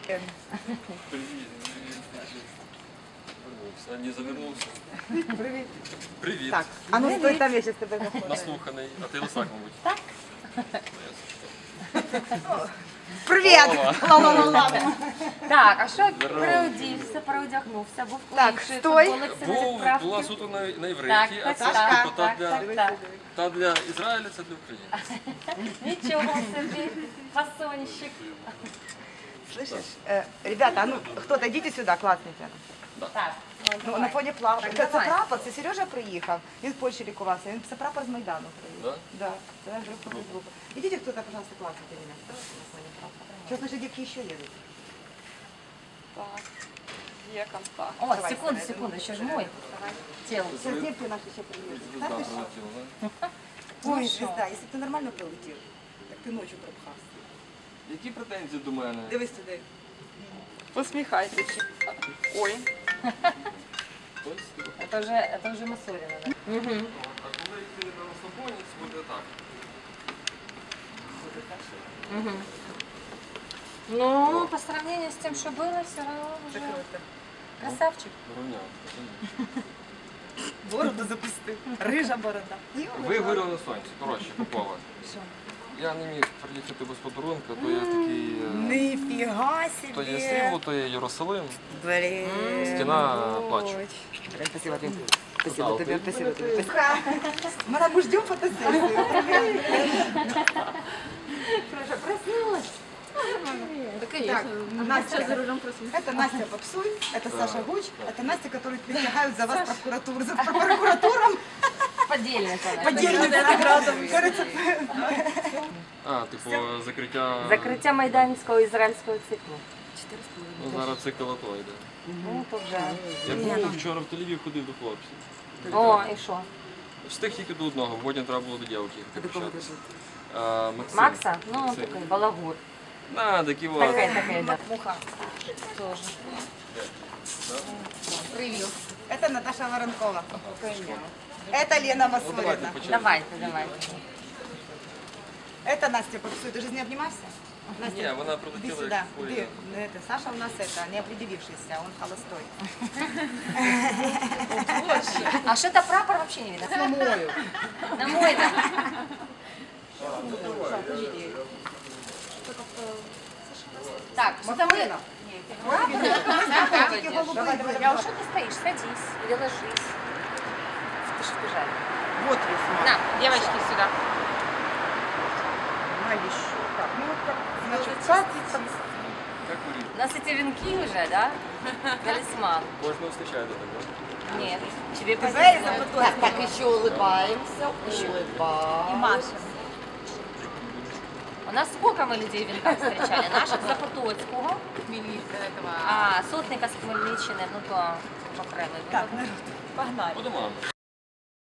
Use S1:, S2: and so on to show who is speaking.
S1: Не завернувся.
S2: Привіт.
S1: Привіт.
S2: Так, а ну стой там, я зараз тебе заходжу.
S1: Наслуханий. А ти лисак, мабуть.
S3: Так.
S2: Привіт! Ла-ла-ла-ла.
S3: Так, а що переодівся, переодягнувся, був
S2: Так,
S3: інший,
S2: стой.
S3: футболик на відправку.
S1: Була суто на
S3: Так,
S1: івриті, а
S3: так,
S1: це
S3: так,
S1: типу,
S3: так.
S1: та для Ізраїля, це для України.
S3: Нічого собі, фасонщик.
S2: Слышишь? Ребята, а ну кто-то идите сюда, класненько.
S3: Так,
S2: Ну, на фоні плавки.
S3: Так,
S2: Це
S3: давай.
S2: прапор, це Сережа приїхав. Він в Польщі лікувався. Це прапор з Майдану приїхав.
S1: Да?
S2: Да, це наш група з групи. Идите кто-то, пожалуйста, классните меня. На фоне прапора. Сейчас наши девки еще едут.
S4: Так, є контакт.
S3: О,
S2: Давай,
S3: секунду,
S2: давай,
S3: секунду, ще ж мой. Тіло.
S2: Сейчас девки наши еще приедут.
S1: Звезда
S2: Да, ты что?
S1: прилетіла, да?
S2: Ой, звезда, если б ти нормально прилетів, так ти ночі пропхався.
S1: Які претензії до мене?
S2: Дивись туди.
S4: Посміхайтеся. Ой,
S1: Ось, типу.
S3: Это вже Масоріна, да?
S1: А коли йти на розслабоні, це буде так.
S3: Ну, по сравнению с тем, что было, все равно уже красавчик.
S1: Рівняв.
S2: Бороду запустив. Рижа борода.
S1: Вигорів на сонці. Коротше, Попова.
S2: Що?
S1: Я не міг приїхати без подарунка, то є такий...
S2: Ніфіга
S1: То є
S2: собі.
S1: Срібло, то є Єрусалим.
S2: Блін.
S1: Стіна плачу.
S2: Спасибо, Дим. Спасибо тебе, спасибо тебе. Мара, мы ждем фотосессию.
S3: Проша, проснулась.
S2: Так, Настя, это Настя Попсуй, это Саша Гуч, это Настя, которые притягают за вас прокуратуру, за прокуратуром.
S3: Подельница.
S2: Кажется,
S1: А, типу, закриття...
S3: Закриття майданівського ізраїльського циклу.
S1: Ну, зараз цикл АТО йде.
S3: Ну, то вже.
S1: Я був вчора в Тель-Авів, ходив до хлопців.
S3: О, і що?
S1: Встиг тільки до одного, потім треба було до дівки. Максим.
S3: Макса? Ну,
S1: Максим.
S3: такий балагур.
S1: На, такі вот.
S3: Такий, да. Муха. Тоже. Привіт.
S2: это Наташа Воронкова. Это Лена
S1: Ну, давайте
S2: Масорина.
S1: почнемо.
S3: Давайте.
S2: Это Настя Попсуй. Ты же не обнимаешься?
S1: Ні,
S2: Настя,
S1: вона
S2: иди
S1: прилетіла
S2: сюда.
S1: як
S2: Ты,
S1: поїзд.
S2: это, Саша у нас это, не определившийся, он холостой.
S3: А что-то прапор вообще не видно.
S2: На мою.
S3: На мой, да. Так, что-то мы...
S2: Такие голубые были.
S3: А что ты стоишь? Садись или ложись. Ты что бежали?
S2: Вот весь.
S3: На, девочки, сюда.
S2: На еще. Так, ну вот как, значит, как
S1: Як курити?
S3: У нас эти венки уже, да? Талисман.
S1: Кожного зустрічаєте так, да?
S3: Нет, тебе
S2: Знаешь,
S3: повезло.
S2: так,
S5: Так, еще улыбаемся, улыбаемся.
S3: И Маша. У нас сколько мы людей в венках встречали? Наших Запотоцького, а сотника з Хмельниччини, ну то окремий.
S2: Так, народ.
S3: Погнали.
S1: По домам.